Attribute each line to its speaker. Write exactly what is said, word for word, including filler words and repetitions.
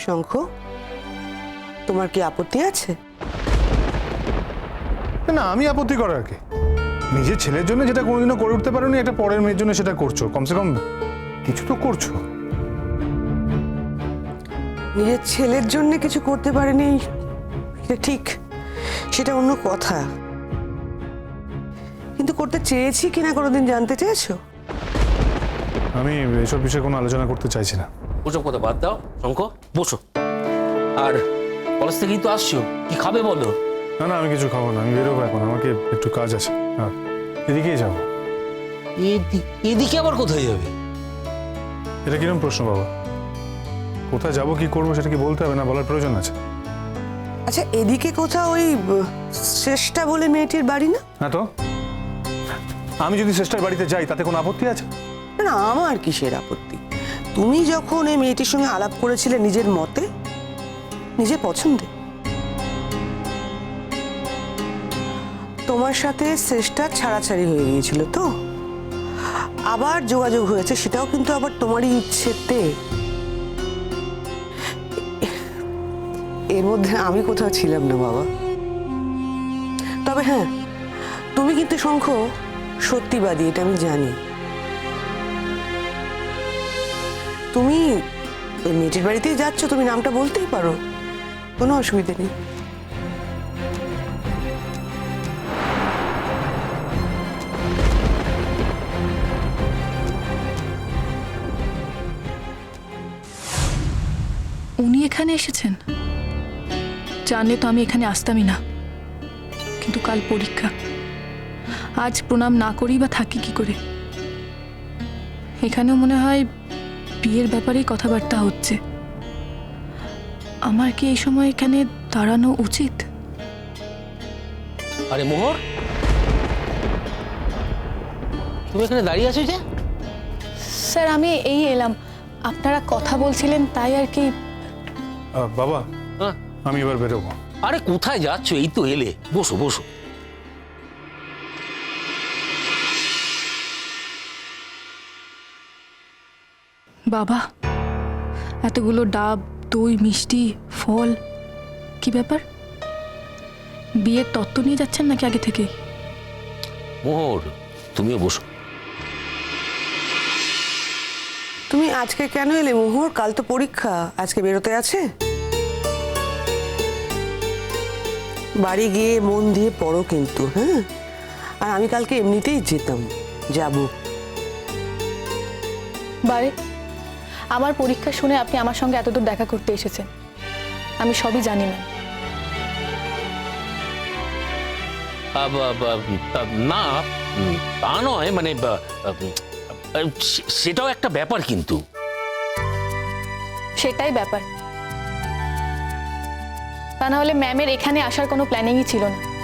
Speaker 1: শঙ্খ, তোমার কি আপত্তি আছে?
Speaker 2: না, আমি আপত্তি করার কি? নিজের ছেলের জন্য যেটা কোনোদিনও করে উঠতে পারোনি, একটা পরের মেয়ের জন্য সেটা করছো। কমসে কম কিছু তো করছো।
Speaker 1: নিজের ছেলের জন্য কিছু করতে পারেনি সেটা ঠিক, সেটা অন্য কথা। কিন্তু করতে চেয়েছি কিনা কোনোদিন জানতে চেয়েছো?
Speaker 2: আমি এসব বিষয়ে কোনো আলোচনা করতে চাইছি না।
Speaker 3: ওসব কথা বাদ দাও শঙ্খ, বসো। আর কলেজ থেকেই তো আসছো, কি খাবে বলো?
Speaker 2: না না, আমি কিছু খাবো না, আমি বেরোবো এখন, আমাকে একটু কাজ আছে। হ্যাঁ, এদিকেই যাবো।
Speaker 3: এদিকে আবার কোথায় যাবে?
Speaker 2: এটা কিরকম প্রশ্ন বাবা? কোথায় যাবো কি করবো সেটা কি বলতে হবে না? বলার প্রয়োজন আছে?
Speaker 1: আচ্ছা, এদিকে কোথাও ওই শ্রেষ্ঠা বলে মেয়েটির বাড়ি না?
Speaker 2: হ্যাঁ, তো আমি যদি শ্রেষ্ঠার বাড়িতে যাই তাতে কোনো আপত্তি আছে?
Speaker 1: না, আমার কিসের আপত্তি? তুমি যখন এই মেয়েটির সঙ্গে আলাপ করেছিলে নিজের মতে, নিজের পছন্দে, তোমার সাথে শ্রেষ্ঠা ছাড়াছাড়ি হয়ে গিয়েছিল তো, আবার যোগাযোগ হয়েছে, সেটাও কিন্তু আবার তোমারই ইচ্ছেতে। এর মধ্যে আমি কোথাও ছিলাম না বাবা। তবে হ্যাঁ, তুমি কিন্তু শঙ্খ সত্যিবাদী, এটা আমি জানি। তুমি ওই মেয়েটির বাড়িতেই যাচ্ছ, তুমি নামটা বলতেই পারো, কোনো অসুবিধা নেই।
Speaker 4: উনি এখানে এসেছেন, জানলে তো আমি এখানে আসতামই না। কিন্তু কাল পরীক্ষা, আজ প্রণাম না করি বা থাকি কি করে? এখানেও মনে হয় বিয়ের ব্যাপারেই কথাবার্তা হচ্ছে। আমার কি এই সময় এখানে দাঁড়ানো উচিত?
Speaker 3: আরে মোহর, তুমি এখানে দাঁড়িয়ে আছো যে?
Speaker 4: স্যার, আমি এই এলাম, আপনারা কথা বলছিলেন তাই আর কি।
Speaker 2: আহ, বাবা,
Speaker 3: হ্যাঁ,
Speaker 2: আমি এবার বেরোবো।
Speaker 3: আরে কোথায় যাচ্ছ? এই তো এলে, বসো বসো।
Speaker 4: বাবা, এতগুলো ডাব, দই, মিষ্টি, ফল, কি ব্যাপার? বিয়ের তত্ত্ব নিয়ে যাচ্ছেন নাকি আগে থেকে?
Speaker 3: মোহর, তুমিও বসো।
Speaker 1: তুমি আজকে কেন এলে মোহর? কাল তো পরীক্ষা, আজকে বেরোতে আছে। বাড়ি গিয়ে মন দিয়ে পড়ো কিন্তু, হ্যাঁ? আর আমি কালকে এমনিতেই যেতাম, যাবো।
Speaker 4: বারে, আমার পরীক্ষা শুনে আপনি আমার সঙ্গে এতদূর দেখা করতে এসেছেন, আমি সবই জানি না।
Speaker 3: আ, বা, বা, তা না, উম, তা নয়, মানে বা, উম, সে- সেটাও একটা ব্যাপার কিন্তু।
Speaker 4: সেটাই ব্যাপার, তা না হলে ম্যামের এখানে আসার কোনো প্ল্যানিংই ছিল না।